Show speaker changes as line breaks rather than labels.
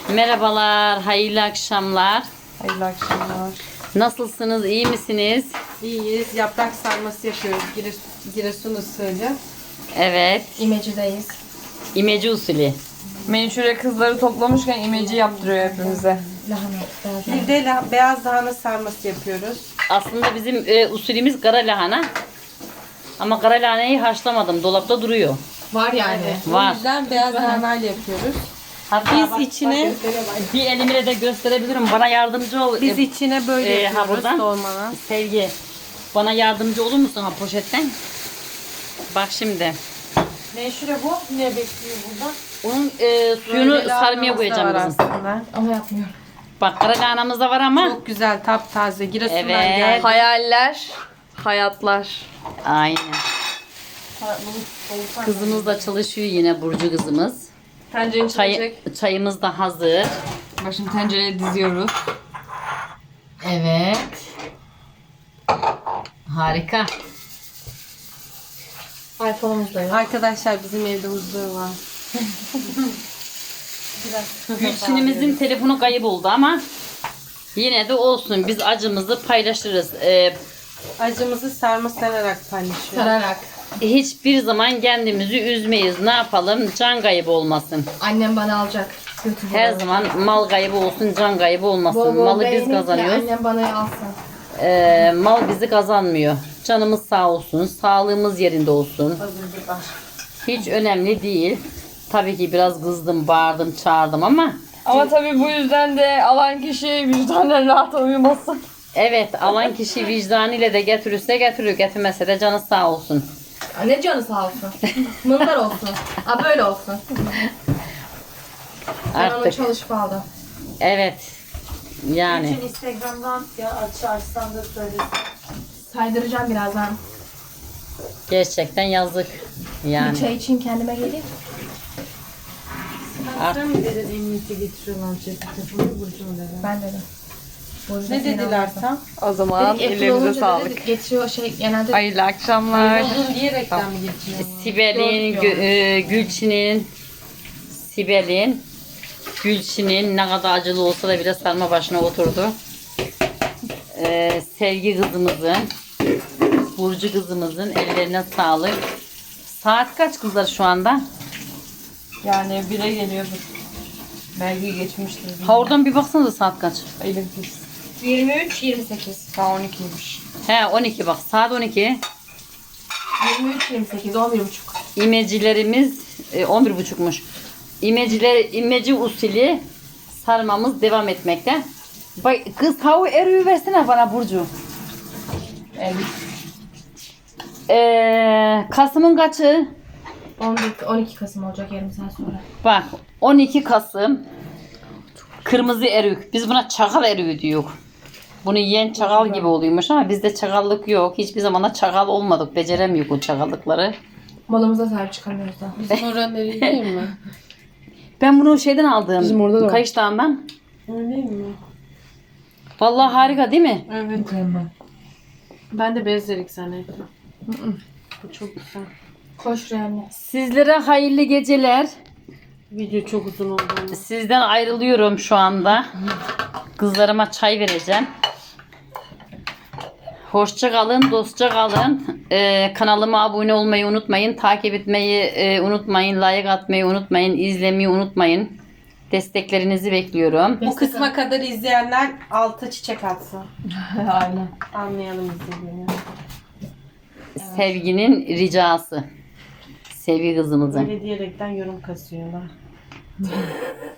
Merhabalar, hayırlı akşamlar.
Hayırlı akşamlar.
Nasılsınız, iyi misiniz?
İyiyiz. Yaprak sarması yapıyoruz. Giresun usulü.
Evet,
İmeci'deyiz.
imece usulü.
Menşure kızları toplamışken imeci yaptırıyor hepimize.
Lahana.
Bir de beyaz lahana sarması yapıyoruz.
Aslında bizim usulümüz kara lahana. Ama kara lahanayı haşlamadım, dolapta duruyor.
Var yani.
Var.
O yüzden beyaz lahanayla yapıyoruz.
Hatta
Biz içine
bir elimle de gösterebilirim. Bana yardımcı ol.
biz içine böyle yapıyoruz
buradan.
dolmanı.
Sevgi, bana yardımcı olur musun ha poşetten? Bak şimdi.
Menşure bu. Ne bekliyor burada?
Onun suyunu sarmaya koyacağım kızım.
aslında.
Ama yapmıyorum.
Bak kara lahanamız da var ama.
Çok güzel, taptaze. Giresun'dan
Evet.
geldi.
Hayaller, hayatlar.
Aynen. Kızımız da çalışıyor yine, Burcu kızımız.
Tencerenin
Çayımız da hazır.
Bak şimdi tencereye diziyoruz.
Evet. Harika.
iPhone'umuz da yok.
Arkadaşlar bizim evde huzur var.
Gülçin'imizin telefonu kayıp oldu ama yine de olsun, biz acımızı paylaşırız.
Acımızı sarma sararak paylaşıyoruz.
Sararak.
Hiçbir zaman kendimizi üzmeyiz. Ne yapalım? Can kaybı olmasın.
Annem bana alacak. Götür
Her
bana.
zaman mal kaybı olsun, can kaybı olmasın.
Bol bol
Malı biz
beğenin ki
kazanıyoruz.
Annem bana alsın.
Mal bizi kazanmıyor. Canımız sağ olsun, sağlığımız yerinde olsun. Hiç önemli değil. Tabii ki biraz kızdım, bağırdım, çağırdım ama
Ama tabii bu yüzden de alan kişi vicdanen rahat uyumasın.
evet, alan kişi vicdanıyla de getirirse getirir, getirmese de canı sağ olsun.
Ne canı sağ olsun. Mındar olsun. Aa böyle olsun. Ben onu
Artık
çalışıp aldım.
evet, yani
Instagram'dan ya açarsan da söyle.
Saydıracağım birazdan.
gerçekten yazık
Bir
yani.
çay için kendime geleyim.
Sen mi dedin emniyete getiriyorlar telefonu Burcu'nun dedi.
Ben dedim. Burcu
Ne
da seni
dediler
alsın.
tam?
O zaman
Dedik, Apple
ellerinize
olunca
sağlık.
dedi, getiriyor genelde.
Hayırlı akşamlar.
Uzun diyerekten mi getiriyor?
Sibel'in, Gülçin'in, Sibel'in, Gülçin'in ne kadar acılı olsa da bile sarma başına oturdu. Sevgi kızımızın, Burcu kızımızın ellerine sağlık. Saat kaç kızlar şu anda?
Yani 1'e geliyordur. Belki geçmiştir.
Ha, oradan bir baksanıza saat kaç?
Elim pis.
23-28.
Daha 12'ymiş.
He, 12 bak, saat 12.
23-28, 11.30.
İmecilerimiz 11.30'muş. İmeci usulü sarmamız devam etmekte. Bak, kız tavuğu eriği versene bana Burcu. Kasım'ın kaçı?
12 Kasım olacak yarım saat sonra.
Bak, 12 Kasım kırmızı erik. Biz buna çakal eriği diyor. Bunu yiyen çakal gibi oluyormuş ama bizde çakallık yok. Hiçbir zaman da çakal olmadık. Beceremiyoruz o çakallıkları.
Malımıza sahip çıkamıyoruz da.
Bizim oranın evi değil mi?
Ben bunu şeyden aldım.
Bizim orada da var.
Kayış Dağı'ndan.
Öyle değil mi?
Vallahi harika değil mi?
Evet. Ben de bezlerik zannettim. Bu çok güzel.
Koş şuraya anne.
Sizlere hayırlı geceler.
Video çok uzun oldu ama.
Sizden ayrılıyorum şu anda. Kızlarıma çay vereceğim. Hoşça kalın, dostça kalın. Kanalıma abone olmayı unutmayın. Takip etmeyi unutmayın. Like atmayı unutmayın. İzlemeyi unutmayın. Desteklerinizi bekliyorum.
Bu kısma kadar izleyenler alta çiçek atsın.
Aynen.
Anlayalım izlediğini.
Sevginin ricası. Sevgi kızımızın.
Böyle diyerekten yorum kasıyorlar.